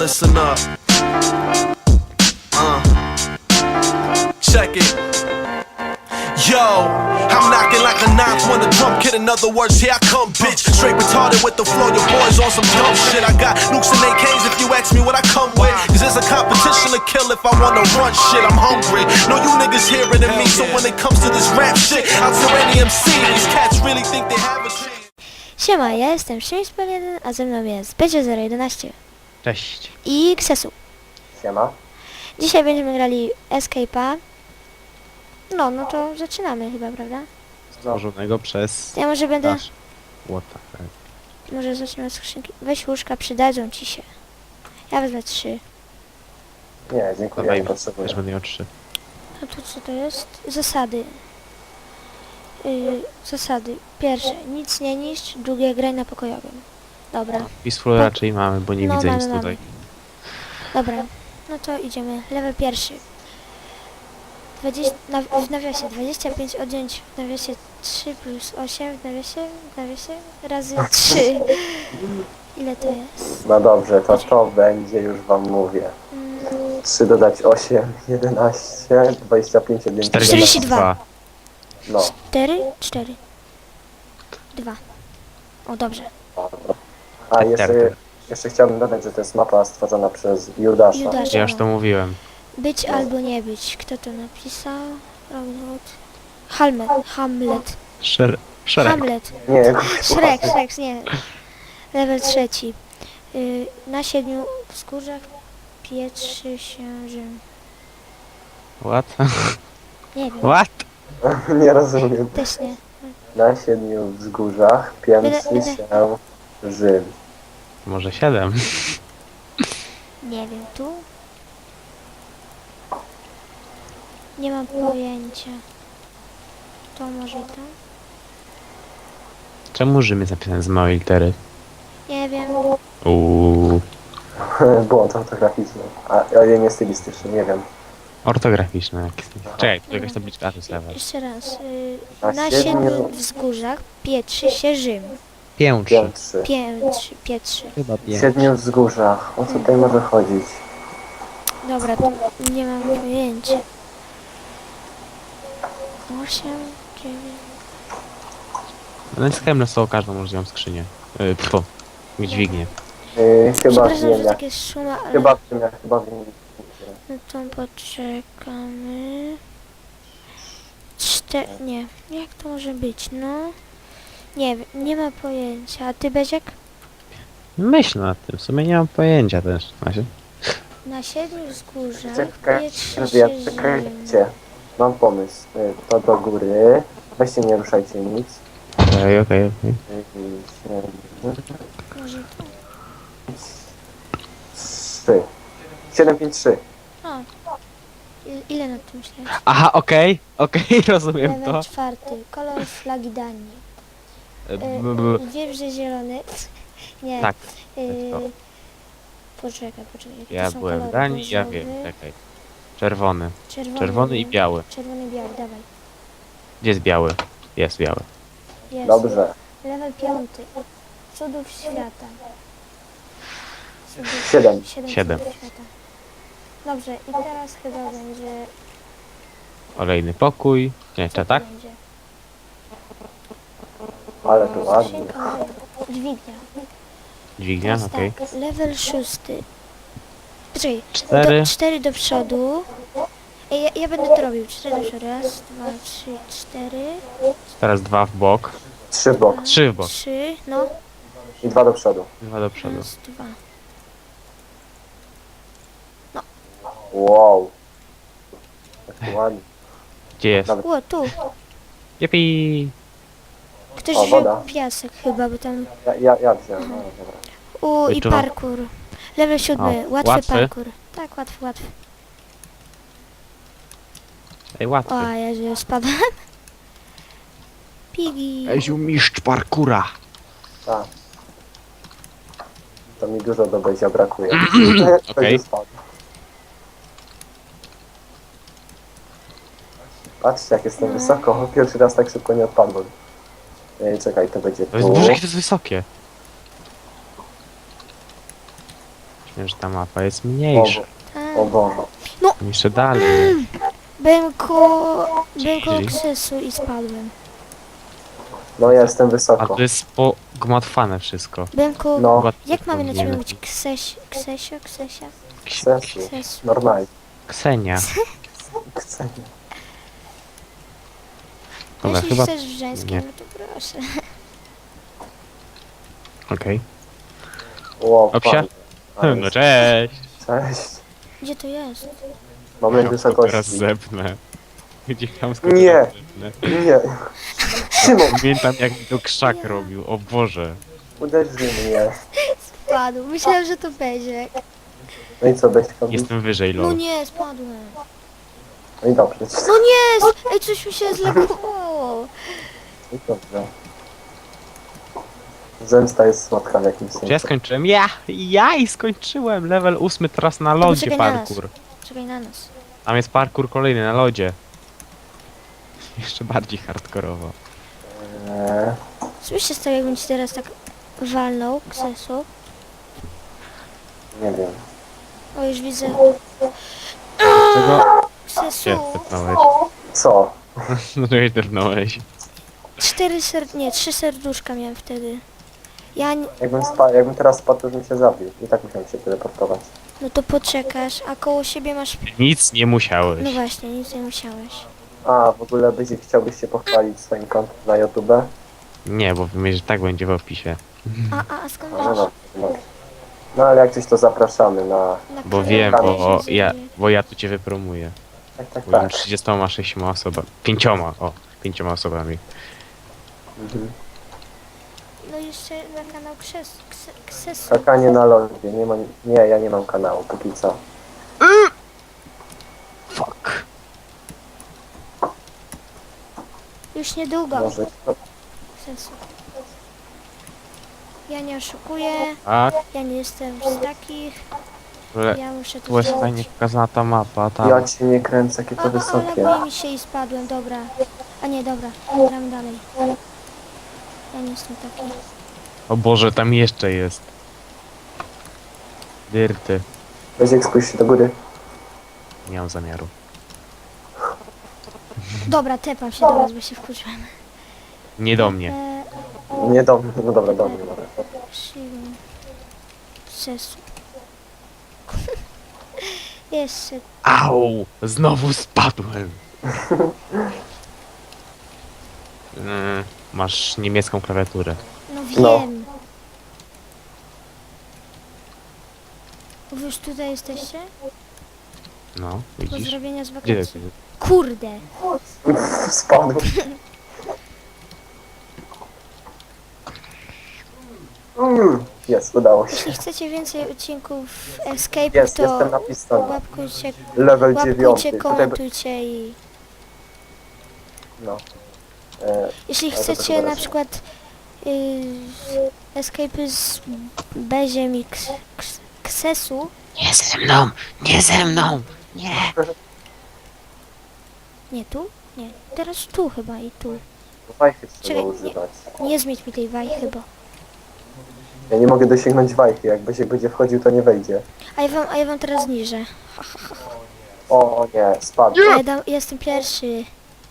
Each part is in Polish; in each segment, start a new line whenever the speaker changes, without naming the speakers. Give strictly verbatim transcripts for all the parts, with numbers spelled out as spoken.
listen up. Uh, check it. Yo, I'm knocking like a ninth when the drum kid. In other words, here I come, bitch. Straight retarded with the flow. Your boys on some dumb shit. I got nukes and A Ks if you ask me what I come with. Cause there's a competition to kill if I wanna run shit. I'm hungry. No, you niggas hearing than me. So when it comes to this rap shit, I'll tell any M C. These cats really think they have a shit.
Siema, ja jestem Szymspel jeden, a ze mną jest Becio zero jedenaście
Cześć.
i Xesu.
Siema.
Dzisiaj będziemy grali Escape'a. No, no to zaczynamy chyba, prawda?
Stworzonego przez...
Ja może będę...
Nasz... What the fuck?
Może zacznę od skrzynki. Weź łóżka, przydadzą ci się. Ja wezmę trzy.
Nie, dziękuję,
Dawaj
nie
mi,
potrzebuję.
też będę miał trzy.
A tu co to jest? Zasady. Yy, zasady. Pierwsze, nic nie niszcz. Drugie, graj na pokojowym. Dobra.
Peaceful raczej mamy, bo nie
No,
widzę
mamy,
nic
mamy.
tutaj.
Dobra. No to idziemy. Level pierwszy. dwadzieścia, na, w nawiasie dwadzieścia pięć odjąć w nawiasie trzy plus osiem w nawiasie, w nawiasie razy trzy. Ile to jest?
No dobrze, to to będzie, już wam mówię.
Mm,
trzy dodać osiem, jedenaście, dwadzieścia pięć, odjąć
czterdzieści dwa.
No,
cztery? cztery. dwa. O, dobrze.
a jeszcze, jeszcze chciałbym dodać, że to jest mapa stworzona przez Judasza.
Judasza.
Ja już to mówiłem.
Być albo nie być. Kto to napisał? Robin Hood. Hamlet. Hamlet.
Szer... Szereg.
Hamlet.
Nie,
Shrek, Shrek, nie. Level trzeci. Y, na siedmiu wzgórzach pietrzy się Rzym.
What?
Nie wiem,
What?
nie rozumiem.
też nie.
Na siedmiu wzgórzach piętrzy
Będę-
się Rzym.
Może siedem?
Nie wiem, tu? Nie mam pojęcia. To może tam?
Czemu Rzym jest napisany z małej litery?
Nie wiem.
Uuu.
Błąd ortograficzny, a ale nie stylistyczny, nie wiem.
Ortograficzne jakieś. Czekaj, tu jakaś tabliczka, to jest level.
Jeszcze raz. Y,
Na
na
siedmiu-
siedmiu wzgórzach pietrzy się Rzym.
Piętrzy.
Piętrzy.
Piętrzy, pietrzy.
Chyba
W
pięć.
siedmiu wzgórzach, o co tutaj może chodzić?
Dobra, to nie mam pojęcia. Osiem, dziewięć...
Naciskałem na słowo każdą możliwą skrzynię. Yy, pfu. Dźwignię.
Yy, chyba
Przepraszam, że
wiem, jak,
takie szumy, ale...
chyba wiem, jak, chyba wiem.
No to poczekamy... Cztery... Nie. Jak to może być? No... Nie wiem, nie ma pojęcia. A ty, Beziek?
Myśl nad tym, w sumie nie mam pojęcia też. Znaczy,
Na siedmiu wzgórzach
Czekajcie,
pietrzy
że ja-
się Rzym.
czekajcie. Mam pomysł. Y, To do góry. Weźcie, nie ruszajcie nic.
okej, okej, okej.
Może tu?
Trzy. siedem, pięć, trzy.
O. I- Ile nad tym myślałeś?
Aha, okej, okej, rozumiem
Level
to.
czwarty. Kolor flagi Danii.
E,
Y,
b- b-
Wiem, że zielony. Nie.
Tak,
Y,
to.
poczekaj, poczekaj. jakie
Ja
to są
byłem w
kolory?
Danii, ja
Różowy,
wiem, czekaj. Czerwony.
Czerwony,
Czerwony i biały.
Czerwony i biały, dawaj.
Gdzie jest biały? Jest biały.
Jest.
Dobrze.
Level piąty. Cudów świata. Cudów,
Siedem.
Siedem,
Siedem.
cudów świata. Dobrze, i teraz chyba będzie...
Olejny pokój. Nie,
Co
czy
to
tak?
będzie?
Ale tu ładnie.
Skrzynka moja. Dźwignia.
Dźwignia,
Teraz
okej.
tak, level szósty. Poczekaj,
Cztery.
do, cztery do przodu. Ej, ja, ja będę to robił. Cztery do przodu. Raz, dwa, trzy, cztery.
Teraz dwa w bok.
Trzy w bok
Trzy w bok.
Trzy, no.
i dwa do przodu.
Dwa do przodu.
Raz, dwa.
Wow. Jak ładnie.
Gdzie jest?
Nawet
O, tu.
Jepi.
Ktoś
O,
wziął
woda.
piasek chyba, bo tam...
ja, ja, ja wziąłem, no dobra.
U, i
Wyczuwam.
parkour. Level siódmy.
O,
Łatwy,
łatwy?
parkour. Tak, łatwy, łatwy.
Ej, łatwy.
O, Jezu, spadłem. Pigi.
Eziu mistrz parkura.
Tak. To mi dużo do bycia brakuje.
Okej.
Patrzcie, jak jestem wysoko. Pierwszy raz tak szybko nie odpadłem. Ej, czekaj, to będzie
To jest
tu.
Boże, jakie to jest wysokie. Wiem, że ta mapa jest mniejsza.
Tak.
O Boże.
Jeszcze dalej.
Byłem koło... Byłem koło
Czyli?
krzesu i spadłem.
No ja jestem
A
wysoko.
to jest pogmatwane wszystko.
Byłem koło...
No.
Chyba
Jak mamy na ciebie
powinienem.
mówić? Kseś... Ksesio? Ksesia?
Ksesu.
Ksesu.
Normalnie.
Ksenia.
Ksenia.
Dobra,
Jeśli
chyba...
chcesz w żeńskim,
nie.
no to proszę.
Okej.
Ło,
Opsia?
pan. Ale
No
jest-
cześć!
Cześć.
Gdzie to jest?
Moment
Teraz
wysokości.
zepnę. Gdzie tam
Nie.
zepnę.
Nie. Szymon,
Pamiętam jak mi to krzak robił, o Boże.
uderzył mnie.
Spadł. Myślałem, że to będzie.
No i co, będzie robił?
Jestem wyżej,
No
lol.
nie, spadłem.
No i dobrze.
No nie! Ej, coś mi się zlegowało.
No i dobrze. Zemsta jest słodka w jakimś
Czy ja
sensie.
skończyłem? Ja! Ja i skończyłem! Level ósmy teraz na lodzie
poczekaj na nas.
parkour.
Czekaj na nas.
Tam jest parkour kolejny na lodzie. Jeszcze bardziej hardkorowo.
Eee,
Słyszysz to, jakbym ci teraz tak walnął, ksesu?
nie wiem.
O, już widzę.
Czego
Ksesu.
się tepnąłeś?
Co?
No to się tepnąłeś.
Cztery ser... nie, trzy serduszka miałem wtedy. Ja nie...
Jakbym, spa- jakbym teraz spadł, to bym się zabił. I tak musiałem się teleportować.
No to poczekasz, a koło siebie masz...
Nic nie musiałeś.
No właśnie, nic nie musiałeś.
A, w ogóle Byzik, chciałbyś się pochwalić swoim kontem na YouTube?
Nie, bo wiem, że tak będzie w opisie.
A, a, a skąd
No,
wiesz?
no, dobrze, dobrze. No ale jak coś to zapraszamy na...
Na
Bo
kanale
wiem,
kanał
bo
się
ja,
dzieje.
bo ja tu cię wypromuję.
Tak, tak,
Byłem
tak.
trzydziestoma sześcioma osobami. Pięcioma, o. Pięcioma osobami.
Mhm.
No jeszcze na kanał Kses... Kse, Ksesu.
Skakanie na lodzie. Nie, ma, nie, ja nie mam kanału, póki co.
Fuck.
Już niedługo.
Może... No,
Ksesu. Ja nie oszukuję,
A,
ja nie jestem z takich,
ale
ja muszę to
tu jest
zrobić.
fajnie pokazana ta mapa, tam.
ja cię nie kręcę, jakie
A,
to
a,
wysokie.
ale mi się i spadłem, dobra. A nie, dobra, gramy dalej. Ja nie jestem taki.
O Boże, tam jeszcze jest. Dyrty.
Byzik, spójrz się do góry.
Nie mam zamiaru.
Dobra, tepam się do was, bo się wkurzyłem.
Nie do mnie.
E,
Nie do mnie, no dobra, do mnie. Dobra.
Szymon. Ksesu. Jeszcze.
Au! Znowu spadłem. Mm, masz niemiecką klawiaturę.
No
No.
wiem. Wy już tutaj jesteście?
No, widzisz?
Pozdrowienia z
Gdzie
wakacji.
ty?
Kurde.
Spadł. Mm, Jest, udało się.
Jeśli chcecie więcej odcinków Escape,
Jest,
to
jestem na pistonie.
łapkujcie,
Level
łapkujcie,
dziewiąty. Tutaj,
komentujcie i...
no. E,
Jeśli
Ale to
chcecie
chyba
na
raz.
przykład y, Escape z Beziem i Ks- Ks- Ksesu,
Nie ze mną! Nie ze mną! Nie!
nie tu? Nie, teraz tu chyba i tu.
wajchy trzeba
Czekaj, nie.
używać.
Nie zmieć mi tej wajchy, bo...
Ja nie mogę dosięgnąć wajchy. Jak Byzik będzie wchodził, to nie wejdzie.
A ja wam, a ja wam teraz zniżę.
O nie, spadł.
Ja dam, jestem pierwszy.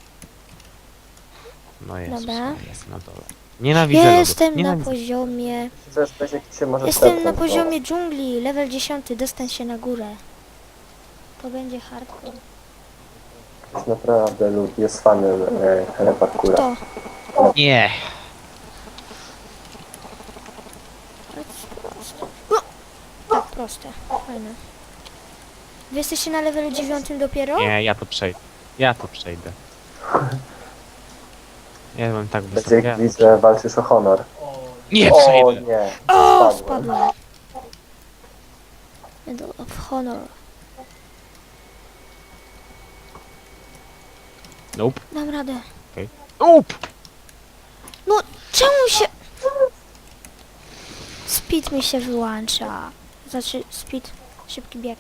No jest,
Dobra.
jest na dole. Nienawidzę
Jestem
lodów.
na
Nienawidzę.
poziomie...
Co jest, Byzik, się może
Jestem na
stepnąć,
poziomie dżungli, level dziesiąty, dostań się na górę. To będzie hardcore.
bo Jest naprawdę lud, jest fanem e, parkoura.
To.
Nie!
Tak, proste. Fajne. Wy jesteście na levelu dziewiątym dopiero?
Nie, ja to przejdę. Ja to przejdę. Ja byłem tak wysoko.
Byzik,
Ja...
widzę, walczysz o honor.
Nie
O
przejdę!
nie,
O,
spadłem.
spadłem. Medal of Honor.
Nope.
Dam radę.
Nope!
No, czemu się... Speed mi się wyłącza. Znaczy, speed, szybki bieg.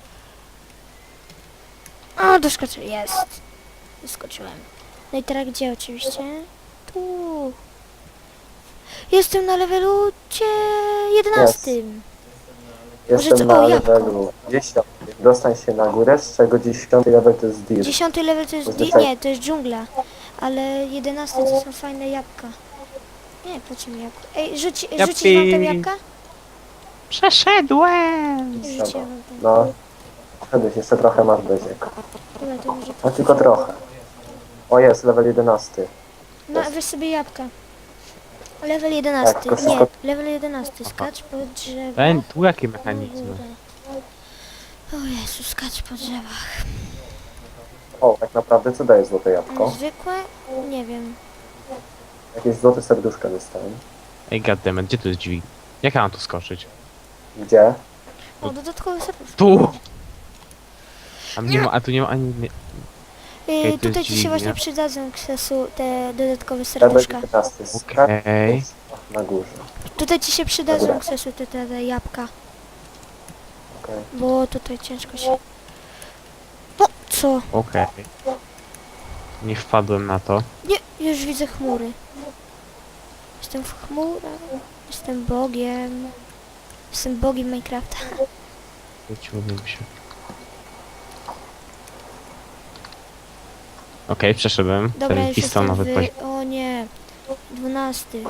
O, doskoczyłem. Jest. Doskoczyłem. No i teraz gdzie oczywiście? Tu. Jestem na levelu cie... jedenastym.
Jestem
co-
na
o, jabłko.
levelu dziesiątym. Dostań się na górę, z czego dziesiąty level to jest Deer.
Dziesiąty level to jest... Di-
Zazwyczaj-
nie, to jest dżungla. Ale jedenasty to są fajne jabłka. Nie, po czym jabłko? Ej, rzuci,
Japki.
rzucić wam tam jabłka?
Przeszedłem!
Rzuciłem wam tam.
No. Wszedłeś, jeszcze trochę masz beziek.
Dobra, to może...
No tylko trochę. O jest, level jedenasty.
No, weź sobie jabłka. Level jedenasty.
tylko
Nie,
wszystko-
level jedenasty. Skacz po drzewach.
Ten, tu jakie
na
mechanizmy?
górę. O Jezu, skacz po drzewach.
O, tak naprawdę co daje złote jabłko?
Zwykłe? Nie wiem.
Jakieś złote serduszka dostałem.
Ej, goddammit, gdzie tu jest drzwi? Jak ja mam tu skoczyć?
Gdzie?
O, dodatkowy serduszko.
Tu! A, nie ma, a tu nie ma ani... Nie.
Yy,
to jest
tutaj ci się
dźwignia.
właśnie przydadzą ksesu te dodatkowe
Level
serduszka.
jedenasty.
Okej.
Na górze.
Tutaj ci się przydadzą
Dobra.
ksesu te, te, te jabłka.
Okej.
Bo tutaj ciężko się... O, co?
Okej. Nie wpadłem na to.
Nie, już widzę chmury. Jestem w chmurach. Jestem bogiem. Jestem bogiem Minecrafta.
Wróciłbym się. Okej, przeszedłem.
Dobra,
Ten
już jestem
pistonowy poziom.
w... O nie. Dwunasty.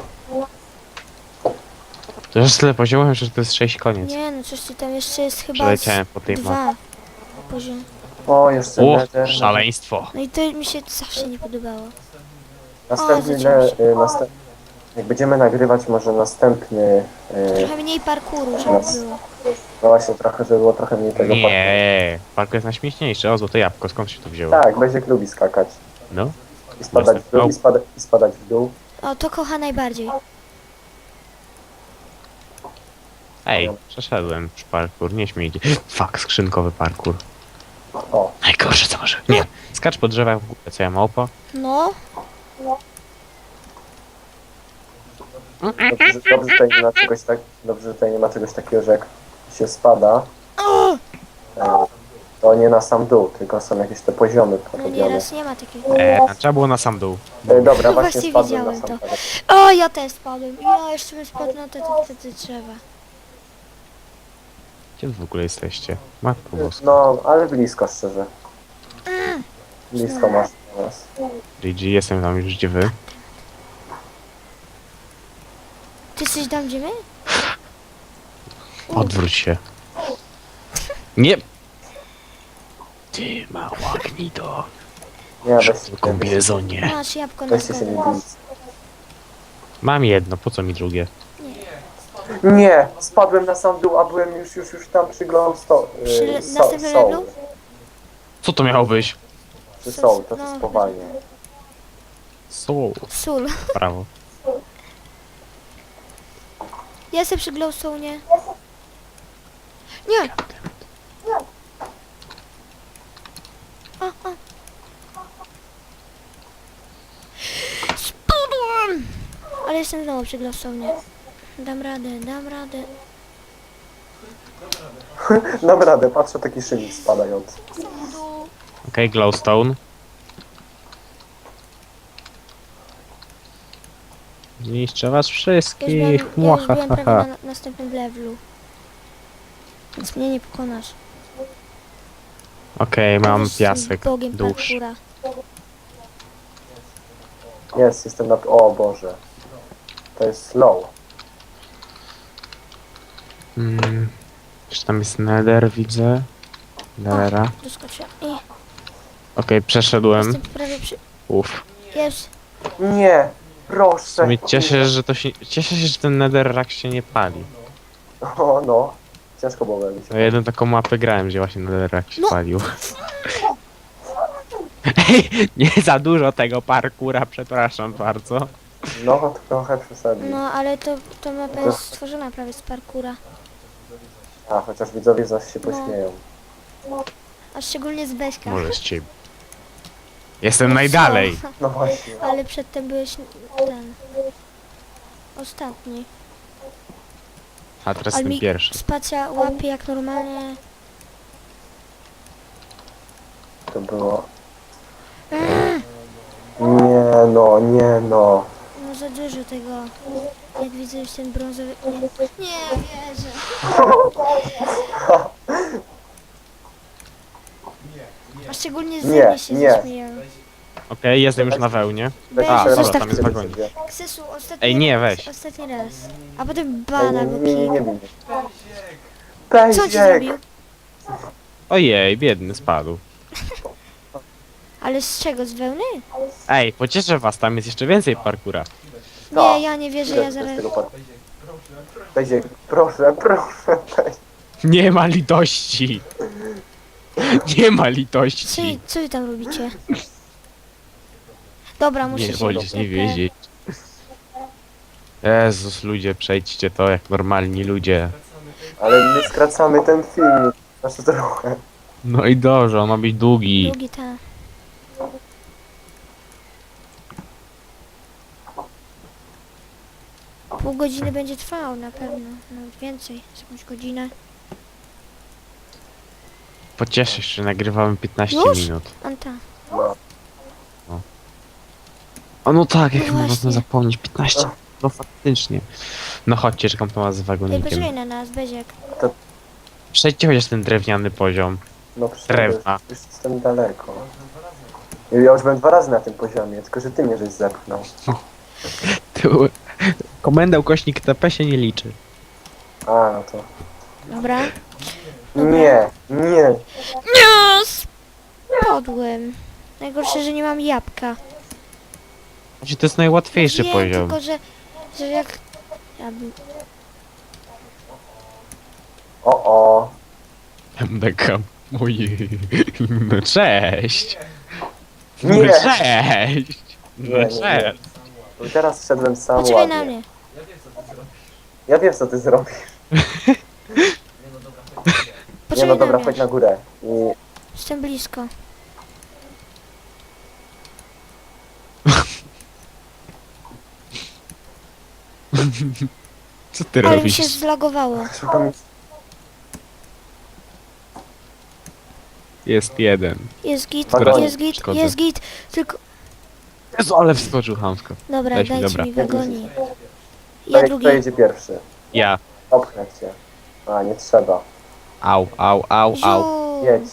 To już tyle poziomem, że to jest sześć koniec.
Nie, no coś ty tam jeszcze jest chyba z
Przeleciałem po tej mapie.
dwa poziom.
O, jeszcze
O,
nether.
szaleństwo.
No i to mi się zawsze nie podobało.
Następny,
O, zacięło
le, y, następ... Jak będziemy nagrywać może następny... Y,
Trochę mniej parkouru, żeby
Raz.
było.
no właśnie trochę, żeby było trochę mniej tego parkouru.
Nie, parkour jest najśmieszniejszy. O, złote jabłko, skąd się to wzięło?
Tak, Beziek lubi skakać.
No.
I spadać w dół, i, spada, i spadać w dół.
O, to kocha najbardziej.
Ej, przeszedłem już parkour, nie śmiejcie. Fuck, skrzynkowy parkour.
O,
Najgorsze co może. Nie, skacz po drzewach w górę, co ja małpa.
No,
dobrze, że- dobrze, że tutaj nie ma czegoś tak, dobrze, że tutaj nie ma czegoś takiego, że jak się spada, e, to nie na sam dół, tylko są jakieś te poziomy
no
porobione.
nieraz nie ma takiego.
E, a trzeba było na sam dół.
E, dobra,
No
właśnie
właśnie
spadłem na
widziałem
sam
to.
dół.
O, ja też spadłem. Ja jeszcze bym spadł na te, te, te, te drzewa.
Gdzie wy w ogóle jesteście? Matko boska.
No, ale blisko szczerze. Blisko masz do nas.
G G, jestem tam już gdzie wy.
Ty jesteś tam, gdzie my?
Odwróć się. Nie! Ty mała gnido.
Nie, weź,
W kombinezonie.
Masz jabłko na
weźcie się
stole.
nie bić.
Mam jedno, po co mi drugie?
Nie, spadłem na sam dół, a byłem już, już, już tam przy glowstone.
Przy
Yy,
następnym levelu?
Co to miało być?
Przy soul, to
No.
jest spowalnie.
Soul.
Sól.
Prawo.
Ja jestem przy glowstone. Nie. A, a. Spadłem! Ale jestem znowu przy glowstone. Dam radę, dam radę.
Dam radę, patrzę taki szybik spadający.
Okej, glowstone. Zniszczę was
Ja już
wszystkich.
byłem, ja już byłem prawie
Mwahaha.
na następnym levelu. Więc mnie nie pokonasz.
Okej, mam
Jestem
piasek.
Bogiem
Dusz.
parkoura.
Jest, jestem na... O Boże. To jest slow.
Mm. Czy tam jest nether, widzę? Nethera.
Doskoczyłem. I
Okej, przeszedłem.
jestem prawie przy...
Uff.
Jest.
Nie,
W
proszę.
sumie cieszę się, że to się... Cieszę się, że ten netherrack się nie pali.
O no, ciężko było mi
No
się.
jedną taką mapę grałem, gdzie właśnie netherrack się
No.
palił. Ej, nie za dużo tego parkura, przepraszam bardzo.
No, trochę przesadził.
No, ale to, to mapa jest stworzona prawie z parkura.
A, chociaż widzowie zaś się
No.
pośmieją.
A szczególnie z Beśka.
Może z ciebie. Jestem najdalej.
Co?
No właśnie.
Ale przedtem byłeś ten... Ostatni.
A teraz
Ale
jestem
mi
pierwszy.
spacja łapie jak normalnie...
To było... Nie no, nie no.
No No za dużo tego. Jak widzę już ten brązowy... Nie, nie wierzę. A szczególnie ze
Nie,
mnie się
nie.
zaśmieją.
Okej, jestem już na wełnie.
Weź,
A, dobra,
zostaw
tam jest
to.
wagonik.
Ksesu, ostatni
Ej, nie,
raz,
weź.
Ostatni raz. A potem
Ej,
bana,
nie,
bo
nie, nie, nie
pik.
bij mnie.
Co ci
Pejziek!
zrobił?
Ojej, biedny, spadł.
Ale z czego? Z wełny?
Ej, pocieszę was, tam jest jeszcze więcej parkura.
No.
Nie, ja nie wierzę,
Ile
ja
ty z
zaraz...
tego par- Pejziek, proszę, proszę, Pejziek.
Nie ma litości. Nie ma
Co,
litości.
co wy tam robicie? Dobra, muszę
Nie
się...
wolisz nie wiedzieć. Jezus, ludzie, przejdźcie to jak normalni ludzie.
Ale my skracamy ten film. Znaczy trochę.
No i dobrze, on ma być długi.
Długi ta. Pół godziny będzie trwał na pewno. Nawet więcej, z jakąś godzinę.
Pocieszysz się, nagrywamy piętnaście
Już?
minut.
Anta.
No.
O no tak,
No
jak można
właśnie.
zapomnieć, piętnaście. No faktycznie. No chodźcie, czekam to was z
Ej,
wagonikiem.
poczekaj na nas, Beziek.
Przejdźcie chociaż ten drewniany poziom.
No przecież
Drewna.
już jestem daleko. Ja już byłem dwa razy na tym poziomie, tylko że ty mnie żeś zepchnął.
Tu... Komenda ukośnik T P się nie liczy.
A, no to...
Dobra.
Nie, nie.
Nie! Spadłem. Najgorsze, że nie mam jabłka.
Znaczy, to jest najłatwiejszy
Wiem,
poziom.
tylko że... że jak... Ja bym...
O, o.
M D K. Ojej. No cześć. No
Nie.
cześć.
Nie,
No
nie, nie.
cześć.
I teraz szedłem sam
Poczekaj
ładnie.
na mnie.
Ja wiem co ty zrobisz. Nie
Poczekaj
no dobra,
na
chodź
mnie.
na górę. I...
Jestem blisko.
Co ty
Ale mi
robisz?
się zlagowało.
Szukam...
Jest jeden.
Jest git,
Wagonik,
jest git,
szkoda.
jest git. Tylko...
Jezu, ale wskoczył chamsko.
Dobra,
Weź mi,
dajcie
dobra.
mi wagonik. Ja
Kto,
drugi.
kto jedzie pierwszy?
Ja.
Opchnę cię. A, nie trzeba.
Au, au, au, au.
Ziu.
Jedź.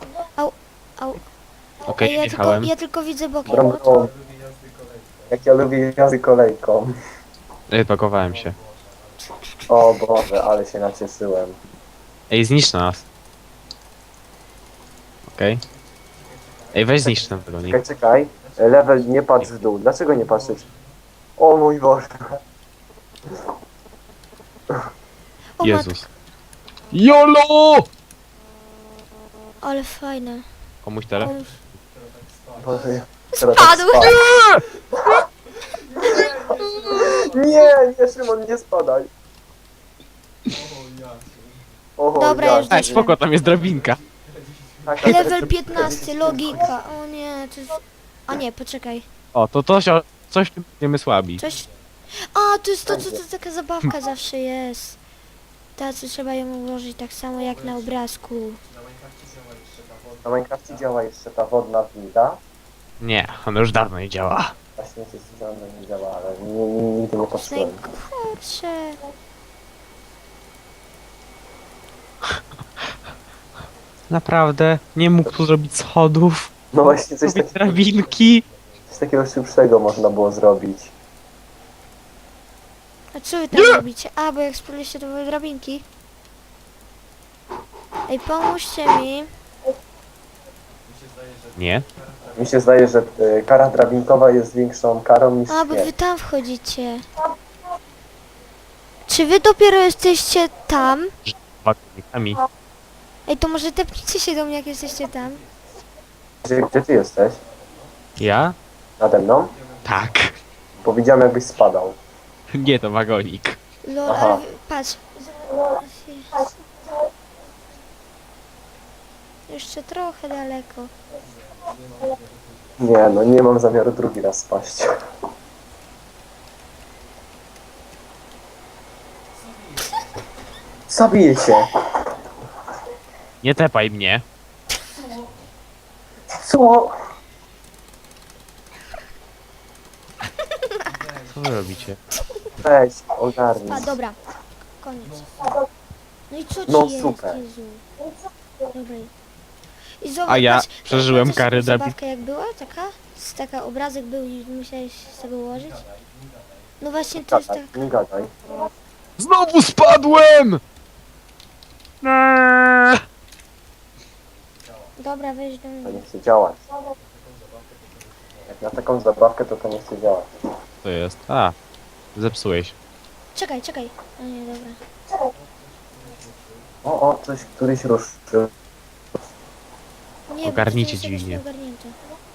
Okej,
Ej, ja, tylko,
jechałem.
ja tylko widzę bokiem.
Brąbą. Jak ja lubię jazdy kolejką.
Pakowałem się.
O Boże, ale się nacieszyłem.
Ej, zniszcz nas. Okej. Ej, weź zniszcz ten wagonik.
Czekaj, czekaj. Level nie patrz w dół. Dlaczego nie patrzysz? O mój Boże.
O
Jezus. YOLO!
matko, ale fajne.
Komuś tele?
O,
Boże, ja teraz tak
Spadłem!
spadł. Nie, nie Szymon, nie spadaj. O,
Dobra,
ja-
już
Ej, spoko, tam jest drabinka.
Tak, tak,
Level
tak,
piętnaście, logika. O nie, to jest... A nie, poczekaj.
O, to to się, coś w tym będziemy słabi.
Coś... A, to jest to, co to taka zabawka zawsze jest. Ta, co trzeba ją ułożyć tak samo jak na obrazku.
Na Minecrafcie działa jeszcze ta wodna winda.
Nie, ona już dawno nie działa.
Właśnie coś dawno nie działa, ale nie, nie, nigdy nie
To jest
patrzyłem.
najgorsze.
Naprawdę? Nie mógł tu zrobić schodów?
No właśnie coś,
Zrobić
takiego,
drabinki?
coś takiego szybszego można było zrobić.
A co wy tam robicie? A, bo jak spróbujecie, to były drabinki. Ej, pomóżcie mi.
Nie.
Mi się zdaje, że y, kara drabinkowa jest większą karą niż
A, bo wy
śmierć.
tam wchodzicie. Czy wy dopiero jesteście tam?
Wagonikami.
Ej, to może tepnijcie się do mnie, jak jesteście tam.
Gdzie, gdzie ty jesteś?
Ja?
Nade mną?
Tak.
Bo widziałem jakbyś spadał.
Nie, to wagonik.
Lol,
Aha.
ale wy- patrz. Jeszcze trochę daleko.
Nie no, nie mam zamiaru drugi raz spaść. Zabiję cię!
Nie tepaj mnie.
Co?
Co wy robicie?
Weź, ogarnij.
A, dobra. Koniec. No i co ci
No,
jest,
super.
Jezu? Dobra. I zobacz,
A ja
patrz,
przeżyłem
pamiętasz
kary
taką
debil.
zabawkę jak była, taka? Z taka obrazek był i musiałeś z tego ułożyć? No właśnie to jest
Gadaj,
tak.
nie gadaj.
Znowu spadłem! Eee!
Dobra, weź do
To
mnie.
nie chce działać. Jak na taką zabawkę, to to nie chce działać.
Co jest? A, zepsułeś.
Czekaj, czekaj. A nie, dobra.
O, o, coś, któryś ruszył.
Nie, bo
Ogarnijcie
to jest jakoś
dźwignię.
nieogarnięte.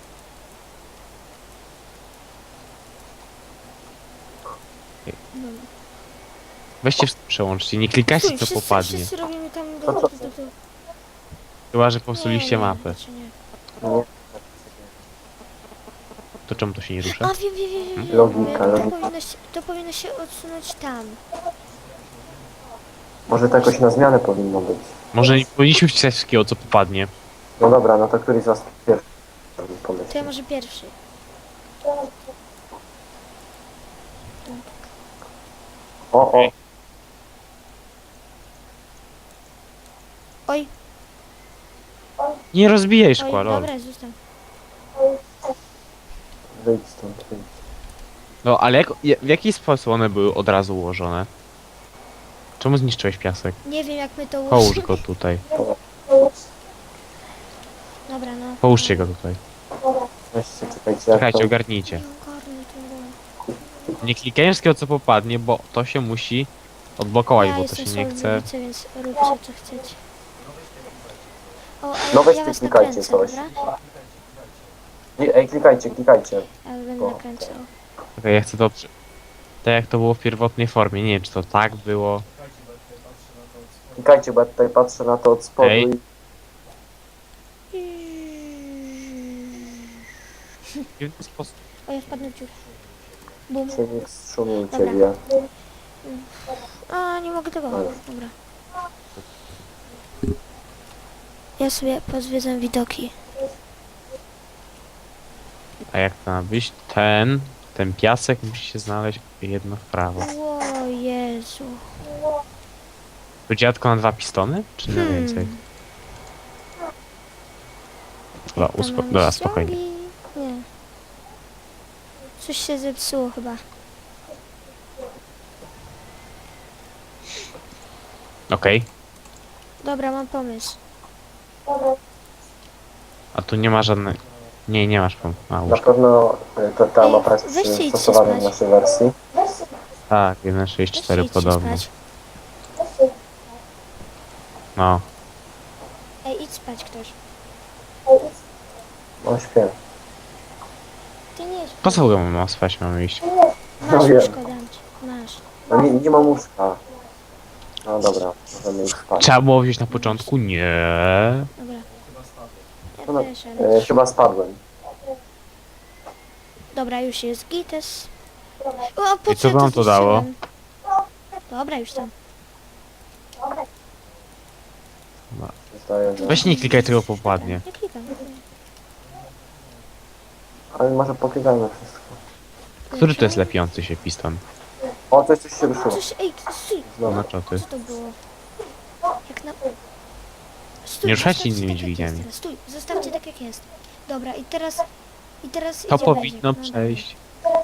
No.
Weźcie, przełączcie, nie klikajcie
Stój,
co
wszyscy,
popadnie.
wszyscy robimy tam do,
Co,
do,
co?
do, do, do.
Chyba, że
Nie,
popsuliście
nie,
mapę.
raczej nie.
Nie.
To czemu to się nie
A
rusza?
wiem, wiem, wiem, wiem, wiem.
Logika,
to,
logika.
powinno się, to powinno się odsunąć tam.
Może to jakoś na zmianę powinno być.
Może nie powinniśmy wcisać wszystkiego co popadnie.
No dobra, no to któryś z was pierwszy pomyśl.
To ja może pierwszy.
O, o,
Oj,
Nie rozbijaj
oj,
szkła, lol.
dobra, zostaw.
wyjdź stąd, wyjdź.
No ale jak, je- w jaki sposób one były od razu ułożone? Czemu zniszczyłeś piasek?
Nie wiem jak my to
Połóż
ułożymy.
go tutaj.
Dobra, no.
Połóżcie go tutaj.
Weźcie, czekajcie, jak
Czekajcie,
to...
ogarnijcie.
Nie ogarnę tego.
Nie klikaj wszystkiego co popadnie, bo to się musi odblokować,
Ja
bo to
jestem
się nie
słaby w
chce.
ulicy, więc róbcie co chcecie. O, ale
No weźcie,
ja was
klikajcie
nakręcę,
coś.
dobra?
Nie, ej, klikajcie, klikajcie.
Ja będę
O,
nakręcał.
Okej, ja chcę to... przy- Tak jak to było w pierwotnej formie, nie wiem czy to tak było.
Klikajcie, bo ja tutaj patrzę na to od spodu
Ej.
i...
W jaki sposób?
O, ja wpadnę w dziurę. Bum.
się nie wstrzumujcie,
Dobra.
wie.
A, nie mogę tego.
Ale.
Dobra. Ja sobie pozwiedzam widoki.
A jak to ma być? Ten, ten piasek musi się znaleźć jedno w prawo.
O Jezu.
To dziadko na dwa pistony? Czy na
Hmm.
więcej? Dobra,
Tam
uspo...
mamy
Dobra, spokojnie.
ściągi. Nie. Coś się zepsuło chyba.
Okej.
Dobra, mam pomysł.
A tu nie ma żadnej... Nie, nie masz pomysłu. A,
Na
łóżko.
pewno y, to, ta
Ej,
mapa jest
weźcie idźcie
przystosowana w
spać.
naszej wersji.
Tak, jeden sześć cztery
Weźcie, idźcie
podobno.
spać.
No.
Ej, idź spać ktoś.
No śpię.
Ty nie
Po
śpisz.
co go mam spać, mamy iść?
Masz
No wiem.
łóżko, dam ci. Masz.
No nie, nie mam łóżka. No dobra, możemy iść spać.
Trzeba było wziąć na początku? Nie.
Dobra.
No,
Ja też, ale...
E, chyba spadłem.
Dobra, już jest gites. O, po
I co wam to dało?
zniszczyłem? Dobra, już tam.
Zdaje, że...
Weź nie klikaj tego popadnie.
Nie klikam.
Ale może poklikajmy wszystko.
Który to jest lepiący się piston?
O, coś, coś się ruszyło.
Coś, ej, stój.
Znowu.
No co ty?
Co to było? Jak na... Stój,
Nie ruszajcie
zostawcie
innymi
tak, jak
dźwigniami.
jest teraz. Stój, zostawcie tak jak jest. Dobra, i teraz... I teraz
To
idzie
powinno
Bezik. No,
przejść.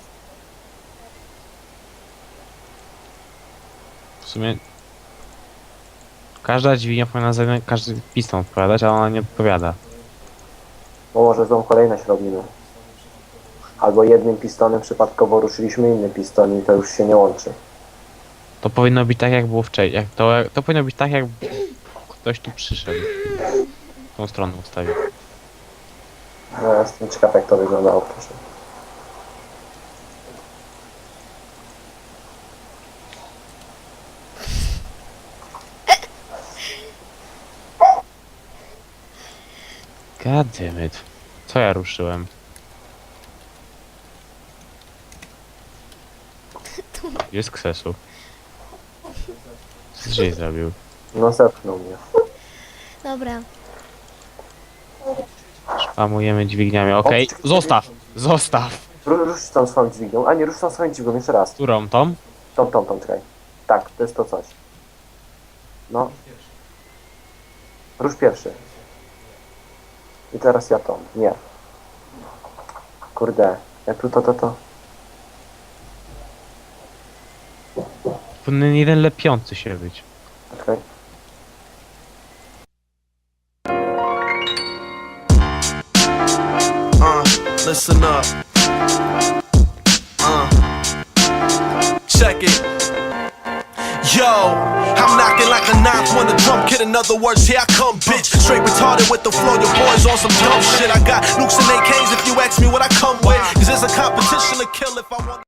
W sumie... Każda dźwignia powinna za każdy piston odpowiadać, a ona nie odpowiada.
Bo może złą kolejność robimy. Albo jednym pistonem przypadkowo ruszyliśmy inny piston i to już się nie łączy.
To powinno być tak jak było wcześniej. Jak to, to powinno być tak jak ktoś tu przyszedł. Tą stronę ustawił.
No, ja jestem ciekaw jak to wyglądało wcześniej.
God damn it. Co ja ruszyłem? Jest ksesu. Co żeś zrobił?
No zepchnął mnie.
Dobra.
Szpamujemy dźwigniami. Okej, zostaw! Zostaw!
Ru- Rusz tą swoją dźwignią, a nie, rusz tą swoją dźwignią, jeszcze raz.
Którą? Tą?
Tą, tą, tą, czekaj. Tak, to jest to coś. No. Rusz pierwszy. I teraz ja tą. Nie. Kurde. Jak tu to, to, to.
Powinien jeden lepiący się być.
Czekaj.
Uh, listen up. Uh, check it. Yo, I'm knocking like a ninth when the drum kid. In other words, here I come, bitch. Straight retarded with the flow. Your boys on some dumb shit. I got nukes and A Ks if you ask me what I come with. Cause there's a competition to kill if I want.